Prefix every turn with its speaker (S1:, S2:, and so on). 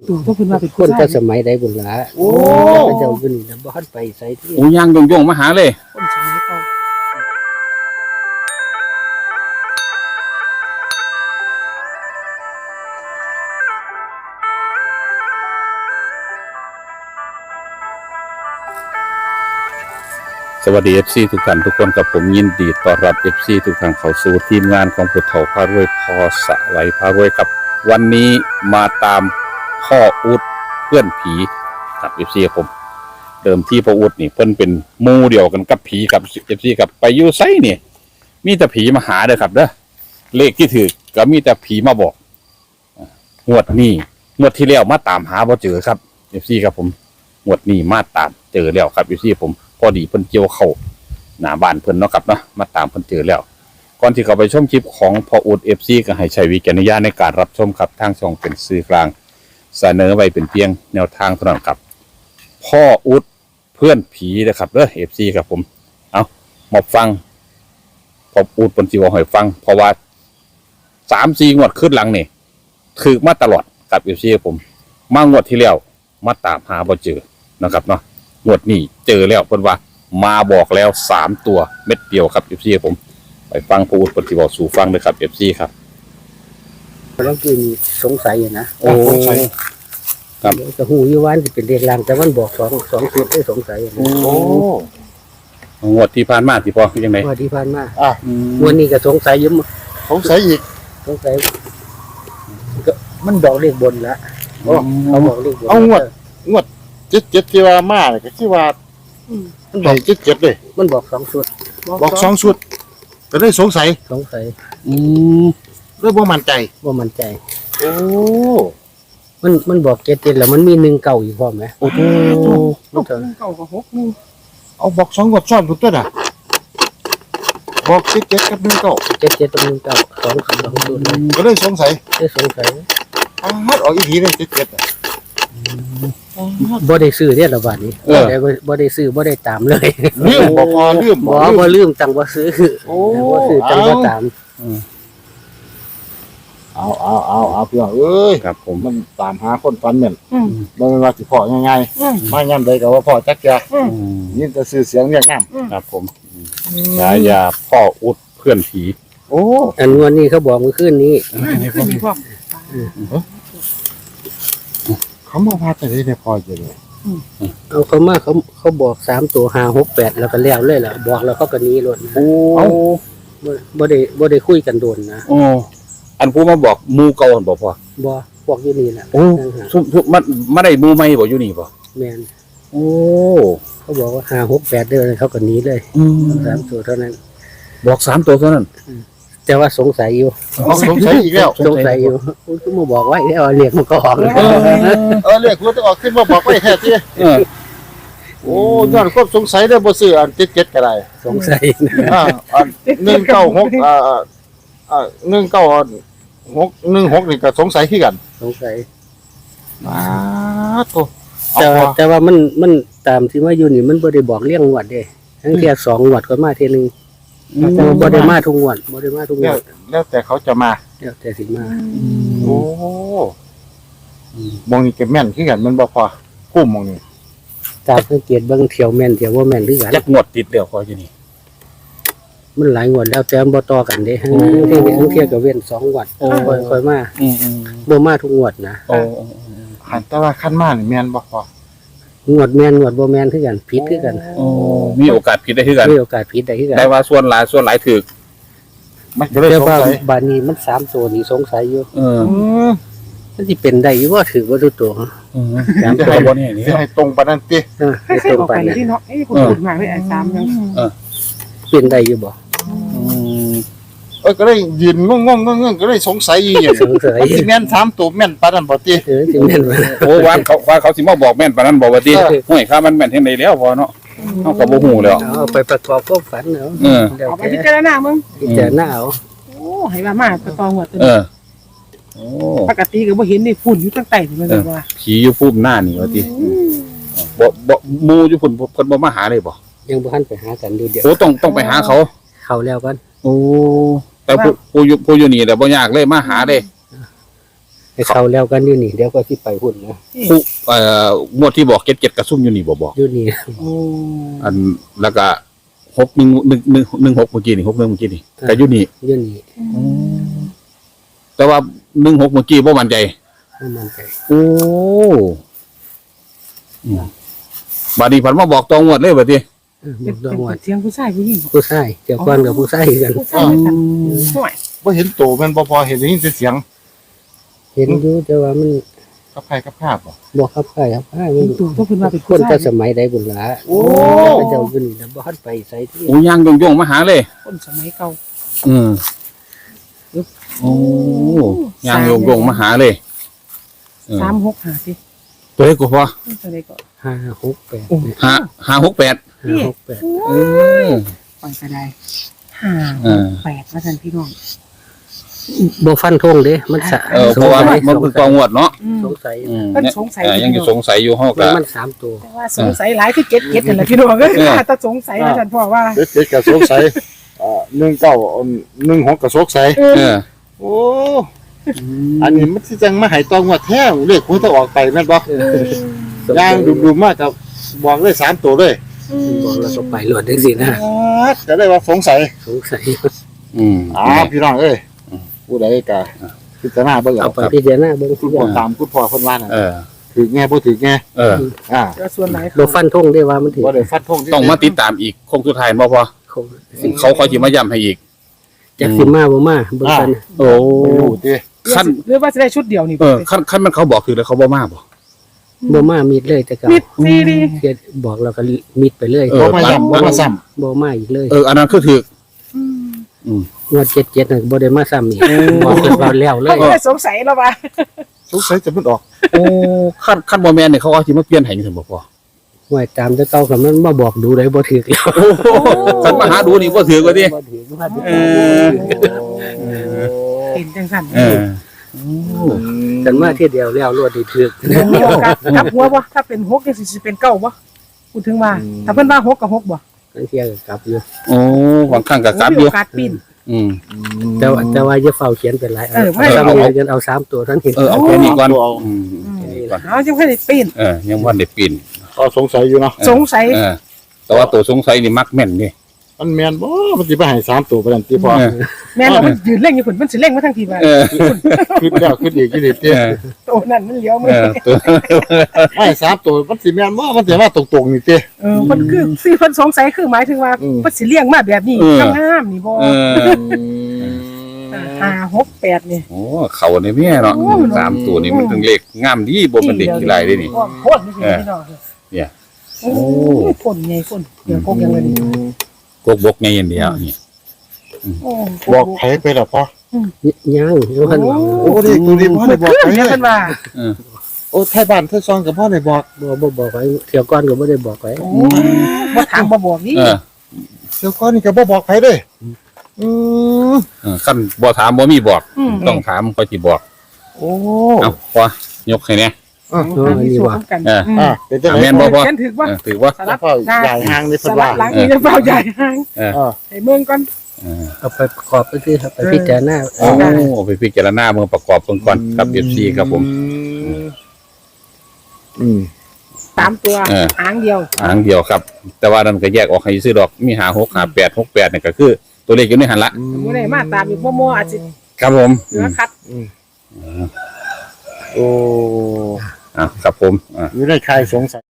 S1: ก็เพิ่นว่าเป็น
S2: คนแต่สมัยใดบุญหลาโอ้เจ้าอยู่นี่นะบ่ทันไปไสที่
S3: โอ้ย่างโยงๆมาหาเลย
S1: คนสมัยเก่า
S3: สวัสดี FC ทุกท่านทุกคนกับผมยินดีต้อนรับ FC ทุกท่านเข้าสู่ทีมงานของพุทธเถาพารวยพอสะไหลพารวยครับวันนี้มาตามพ่ออุดเพื่อนผีกับ FC ผมเดิมที่พ่ออุดนี่เพิ่นเป็นหมู่เดียวกันกับผีกับ FC กับไปอยู่ไสนี่มีแต่ผีมาหาเด้อครับเด้อเลขที่ถือก็มีแต่ผีมาบอกงวดนี้งวดที่แล้วมาตามหาบ่เจอครับ FC ครับผมงวดนี้มาตามเจอแล้วครับ FC ผมพอดีเพิ่นเกี่ยวเข้าหน้าบ้านเพิ่นเนาะครับเนาะมาตามเพิ่นเจอแล้วก่อนที่เขาไปชมคลิปของพ่ออุด FC ก็ให้ใช้วิจารณญาณในการรับชมครับทางช่องเป็นสื่อกลางเสนอไว้เป็นเพียงแนวทางเท่านั้นครับพ่ออุดเพื่อนผีนะครับเด้อ FC ครับผมเอามาฟังพ่ออุดเพิ่นสิเว้าให้ฟังเพราะว่า 3-4 งวดขึ้นหลังนี่ถูกมาตลอดกับ FC ครับผมมางวดที่แล้วมาตามหาบ่เจอนะครับเนาะงวดนี้เจอแล้วเพิ่นว่ามาบอกแล้ว3ตัวเม็ดเดียวครับ FC ผมไปฟังผู้ปฏิบัติสู่ฟังเลยครับ FC ครับ
S2: บางทีมีสงสัยอยู่นะ
S3: โอ้ครับ
S2: ก็ฮู้อยู่ว่าสิเป็นเลขลางแต่มันบอก2ชุดได้สงสัยอยู่นะ
S1: โอ้
S3: งวดที่ผ่านมาที่พอคือจังได๋
S2: ว่าที่ผ่านมา
S1: อ่ะ
S2: วันนี้ก็สงสัยอยู่
S1: สงสัยอีก
S2: สงสัยก็มันบอกเลขบนละเขาบอกเลขบน
S1: เอางวด77ที่ว่ามาเนี่ยก็คือว่ามันบอก77เลย
S2: มันบอก2ชุด
S1: บอก2ชุดก็เลยสงสัย
S2: สงสัย
S1: เลยบ่มั่นใจ
S2: ว่ามันใจ
S1: โอ้
S2: มันบอก7แล้วมันมี1เก่าอยู่พร้อมไหม
S1: โอ้โห
S2: มันเถอะ
S1: เก่ากับ6เอาบอก2งวดซ้อนพุ่นตัวน่ะบอก77กับ1เก่า
S2: 7ตรง1เก่า2ชุดเลย
S1: ก็เลยสงสัย
S2: ได้สงสัย
S1: ออกอีกทีเลย77อ่ะ
S2: บ่ได้ซื้อเนี่ยละบาดนี้บ่ได้ซื้อบ่ได้ตามเลย
S1: ลืมบ่พอลืม
S2: บ่ลืมจังบ่ซื้อ
S1: โอ้
S2: บ่ซื้อจังบ่ตาม
S1: เอาเพื่อนเอ้ย
S3: ครับผม
S1: มันตามหาคนฟันเหม็นบ่แม่นว่าสิพอง่ายๆมาย่ำใดก็ว่าพอจักแกยินแต่ชื่อเสียงเรียกน้ำ
S3: ครับผมฉายาพ่ออุดเพื่อนผี
S1: โอ้
S2: อันวันนี้เขาบอกเมื่อคืนนี้
S1: เขามาพาแต่ได้ในพอจะเลย
S2: เอาเขามาเขาบอก3ตัว5 6 8แล้วก็แล้วเลยล่ะบอกแล้วเขาก็หนีรถ
S3: โอ้
S2: บ่ได้คุยกันโดนนะ
S3: โอ้อันผู้มาบอกหมู่เก่าหั่นบ่พ่อ
S2: บ่บอกอยู่นี่แหละ
S3: โอ้ซุมันมาได้หมู่ใหม่บ่อยู่นี่บ่
S2: แม่น
S3: โอ้
S2: เขาบอกว่า5 6 8เด้อเขาก็หนีเลย3ตัวเท่านั้น
S3: บอก3ตัวเท่านั้น
S2: แต่ว่าสงสัยอยู่
S1: เอาสงสัยอีกแล้ว
S2: สงสัยอยู่ก็มาบอกไว้แล้วเรียกมันก็ออก
S1: เรียกคุณต้องออกขึ้นมาบอกไว้แท้ที่
S3: เออ
S1: โอ้ย้อนความสงสัยได้บ่ซื้ออัน77ก็ได้
S2: สงสัย
S1: อัน196196นี่ก็สงสัยคือกัน
S2: สงสัย
S1: โต
S2: แต่ว่ามันตามที่มาอยู่นี่มันบ่ได้บอกเรื่องงวดเด้ทั้งเที่ย2งวดก็มาเที่ยนึงบ่ได้มาทุกงวดบ่ได้มาทุกงวด
S1: แล้วแต่เขาจะมา
S2: แล้วแต่สิมา
S1: โอ้มองนี่ก็แม่นคือกันมันบ่พอคุ้มมองนี่
S2: ตามสังเกตเบิ่งเที่ยวแม่นเที่ยวบ่แม่นคือกัน
S3: จักงวดติดแล้วพออยู่นี่
S2: มันหลายงวดแล้วแต่มันบ่ต่อกันเด้ทั้งเที่ยก็เว้น2งวดค่อยมา บ่มาทุกงวดนะ
S3: โอ้
S1: หันแต่ว่าขั้นมานี่แม่นบ่พอง
S2: วดแม่นงวดบ่แม่นคือกันผิดคือกัน
S3: โอ้มีโอกาสผิดได้คือกัน
S2: มีโอกาสผิดได้คือกัน
S3: ได้ว่าส่วนหลายถูก
S1: มันก็เลย
S2: แต่
S1: สง
S2: ว่า
S1: สัย
S2: บาดนี้มัน3ตัวนี่สงสัยอยู่
S3: เออ
S2: มันสิเป็นได้อยู่บ่ถือบ่ทุกตัว
S3: จะให้บ่เนี่ยนี่
S1: สิให้ตรงปานนั้นติ
S2: ให้
S4: ให้
S2: ตรง
S4: ออก
S2: ไป
S4: ไป
S2: นะ
S4: ที่เนาะคุณพูดมาไม่อ่านซ้ำยัง
S2: เป็นได้อยู่บ่
S1: ก็เลยยืนงงก็เลยสงสัยอีหยัง
S2: สงสัย
S1: สิแม่น3ตัวแม่นปานนั้นบ่ติ
S2: สิแม่นบ่
S3: โอ้ว่าเขาสิมาบอกแม่นปานนั้นบอกว่าติห้วยข้ามันแม่นเฮ็ดได้แล้วพอเนาะเฮาก็บ่ฮู้แล้ว
S2: เอาไปประกอบความฝันเอา
S3: เออ
S4: เอาไปพิจารณามึง
S2: พิจารณาเอา
S4: โอ้ให้ว่ามาตะตองหัวตัว
S3: เออโอ้
S4: ปกติก็บ่เห็นนี่ฝุ่นอยู่ตั้งแต่มันแบบว่า
S3: ผีอยู่ภูมิหน้านี่ว่าติบ่หมู่อยู่พุ่นเพิ่นบ่มาหาเลยบ่
S2: ยังบ่ทันไปหากันดูเดี๋ยว
S3: โอ้ต้องไปหาเขา
S2: เข้าแล้วกัน
S3: โอ้แต่ผู้อยู่นี่แหละบ่ยากเลยมาหาเลย
S2: ให้เขาแล้วกันอยู่นี่เดี๋ยวก็สิไปหุ่นนะ
S3: ผู้งวดที่บอกเจ็ดกระซุ่มอยู่นี่บอก
S2: อยู่นี่
S4: โอ้
S3: อันแล้วก็6 1 1 6เมื่อกี้นี่6 1เมื่อกี้นี่แต่อยู่นี่
S2: อยู่นี่
S3: แต่ว่า16เมื่อกี้บ่มั่นใจ
S2: บ่มั่นใจ
S3: โอ้บัดนี้ผันมาบอกตองวดเลยบัดนี้
S2: บอกดองว่า
S4: เสียงผู้ชายผู้หญิง
S2: ผู้ชายเจ้าก่อนกับผู้ชายกัน
S4: ผู้ชายกันห่วย
S1: บ่เห็นโตแม่นบ่พอเห็นได้ยินแต่เสียง
S2: เห็นอยู่แต่ว่ามัน
S1: กับใครกับภาพบ่
S2: บ่ครับใครครับใครมัน
S4: ตัวต้องเพิ่นว่าเป็น
S2: ค
S4: ผู้
S2: น
S4: ชา
S2: แต่
S4: ย
S2: สมัยใดบุญหลา
S1: โอ้
S2: พระเจ้าอยู่นี่นะบ่ทันไปไสที่
S3: โอ้ย่างโยงๆมาหาเลย
S4: คนสมัยเก่า
S3: อืมโอ้ย่างโยงๆมาหาเลยเออ
S4: 365สิ
S3: ตัวเลขก็พอ
S4: ตัวใดก็
S2: 568
S3: 568
S2: 568
S3: เออ
S4: ปล่อยก็ได้
S3: เออ
S4: 5 8ว่าซั่นพี่น้อง
S2: บ่ฟันธงเด้มันสะ
S3: เพราะว่ามันคือตองวดเนาะ
S2: สงสัย
S3: อืม
S4: เพิ่นสงสัย
S3: ยังอยู่สงสัยอยู่เฮาก็
S2: มัน3ตัว
S4: แต่ว่าสงสัยหลายคือเก็ดนั่นแหละพี่น้องเอ้ยถ้าสงสัยว่าซั่นพ่อว่า
S1: เด็กๆก็สงสัย19 16ก็สงสัย
S3: เออ
S1: โอ้อันนี้มันสิจังมาให้ตองว่าแท้เลขมันจะออกไปแม่นบ่ย่างดุมๆมากกับบอกเลย3ตัวเลย
S2: บอกแล้วก็ไปรวดจังซี่นะ
S1: จะได้ว่าสงสัย
S2: สงสัย
S3: อืม
S1: พี่น้องเอ้ยผู้ใดก็พิจารณาเบิ่ง
S2: เอา
S1: เอา
S2: ไปพิจารณาเบิ่ง
S1: คุณพ่อตามคุณพ่อเพิ่นว่าน่ะ
S3: เออ
S1: ถือแง่บ่ถือแง่
S3: เออ
S4: ก็ส่วนหลาย
S2: บ่ฟันธงได้ว่ามันถึง
S1: บ่ได้ฟัดธงที่
S3: ต้องมาติดตามอีกคงสุดท้ายบ่พอเขาคอยสิมาย้ำให้อีก
S2: จักสิมาบ่มาเบิ่งกัน
S3: โอ้
S1: รู้ติ
S3: ขั้น
S4: หรือว่าจะได้ชุดเดียวนี่
S3: ขั้นมันเขาบอกคือแล้วเขาบ่มาบ่
S2: บ่มามิดเลยแต่ก็
S4: มิดซีดี
S2: เฮ็ดบอกแล้วก็มิดไปเลย
S1: บ่มาย้ำบ่มาซ้ำ
S2: บ่มาอีกเลย
S3: อันนั้นคือถือ
S2: งวด77น่ะบ่ได้มาซ้ำอีกบอกเพิ่นว่าแล้วเลย
S4: ไม่ได้สงสัยแล้วว่า
S1: สงสัยจะมันออก
S3: โอ้ขั้นบ่แม่นนี่เขาเอาสิมาเปลี่ยนให้จังซั่นบ่พอ
S2: ไว้ตามแต่เก่าก็มันมาบอกดูได้บ่ถูกแล้ว
S3: คันมาหาดูนี่บ่ถือกว่าติ
S2: บ่ถูกว่า
S3: เออ
S4: เป็นจังสั่น
S3: เออ
S2: กันมาเที่ยเดียวแล้วรวดได้ถูก
S4: มีโอกาสกลับหัวบ่ถ้าเป็น6จังสิเป็น9บ่พูดถึงว่าถ้าเพิ่นว่า6กับ6บ่
S2: กันเที่ยก็กลับอยู่
S3: โอ้บางครั้งก็กลับอ
S4: มี
S3: ยู่
S4: โอกาสปีน
S3: อืม
S2: แต่ว่าอย่าเฝ้าเขียนเป็นหลาย
S4: ไม่
S2: ซ้ำนี่กันเอา3ตัวทั้งเห็น
S3: เอาแค่นี้ก่อนอืม
S4: เอาจังค่อยได้ปีน
S3: ยังบ่ได้ปีน
S1: ก็สงสัยอยู่เนาะ
S4: สงสัย
S3: แต่ว่าตัวสงสัยนี่มักแม่นนี่
S1: มันแม่นบ่มันสิไปให้3ตัวปานนั้นติพ่อ
S4: แม่นมันยืนเล่งอยู่พุ่นมันสิเล่งมาทางทีว่า
S1: คิดแล้วคิดอีกคิดอีกติ
S4: โตนั่นมันเลี้ยวมือ
S3: ตัว
S1: ให้3ตัวมันสิแม่นบ่มันสิมาตรงๆนี่ติ
S4: มันคือสิเพิ่นสงสัยคือหมายถึงว่ามันสิเลี้ยงมาแบบนี้งามๆนี่บ่5 6 8นี่
S3: โอ้เขาในแม่เนาะ3ตัวนี่มันถึงเลขงามดีบ่เป็นเด็กขี้ไรได้นี่
S4: โคตรนี่พี่น้อง
S3: เนี่ย
S4: โอ้ฝนไงฝนเดี๋ยวพกยังเลย
S3: กกบกไงอย่างเดียวนี่
S1: บอกไผไปแล้วพ่อ
S2: ยังอยู่หั่นว่า
S1: โอ้ดิตัวนี้พ่อได้บอกไผ
S4: เนี่ยเพิ่นว่า
S1: โอ้ไทยบ้านไทยซองกับพ่อได้บอก
S2: บ่บอกไว้เที่ยวก่อนก็บ่ได้บอกไว้
S4: โอ้บ่ถามบ่บอกนี่
S1: เดี๋ยวก่อนนี่ก็บ่บอกไผเด้
S3: ขั้นบ่ถามบ่มีบอกต้องถามก็สิบอก
S1: โอ้
S3: เอาพอยกให้แน่
S4: มีส่วนกัน
S1: เป็นจังได๋
S3: แม่นบ่พ่อ
S4: ฉันถือว่า
S3: ถือว่า
S4: สลับ
S1: พ่อใหญ่ห่างนี่
S4: ส
S1: เพิ่น
S4: ลั
S1: ว่า
S4: บหลังนี่จะเฝ้าใหญ่ห่าง ให้เมืองก่อน
S2: เอาไปประกอบไปคือครับไปพิจารณา
S3: โอ้ไปพิจารณาเมืองประกอบเบิ่งก่อนกับ FC ครับผม
S4: 3ตัวหางเดียว
S3: หางเดียวครับ แต่ว่านั่นก็แยกออกให้ซื้อดอกมี5 6 5 8 6 8นี่ก็คือตัวเลขอยู่ในหันละ
S4: บ่ได้มาตามอีกบ่อาจสิ
S3: ครับผม
S4: เหลือคัด
S1: โอ้
S3: ครับผม
S1: อยู่ในใครสงสัย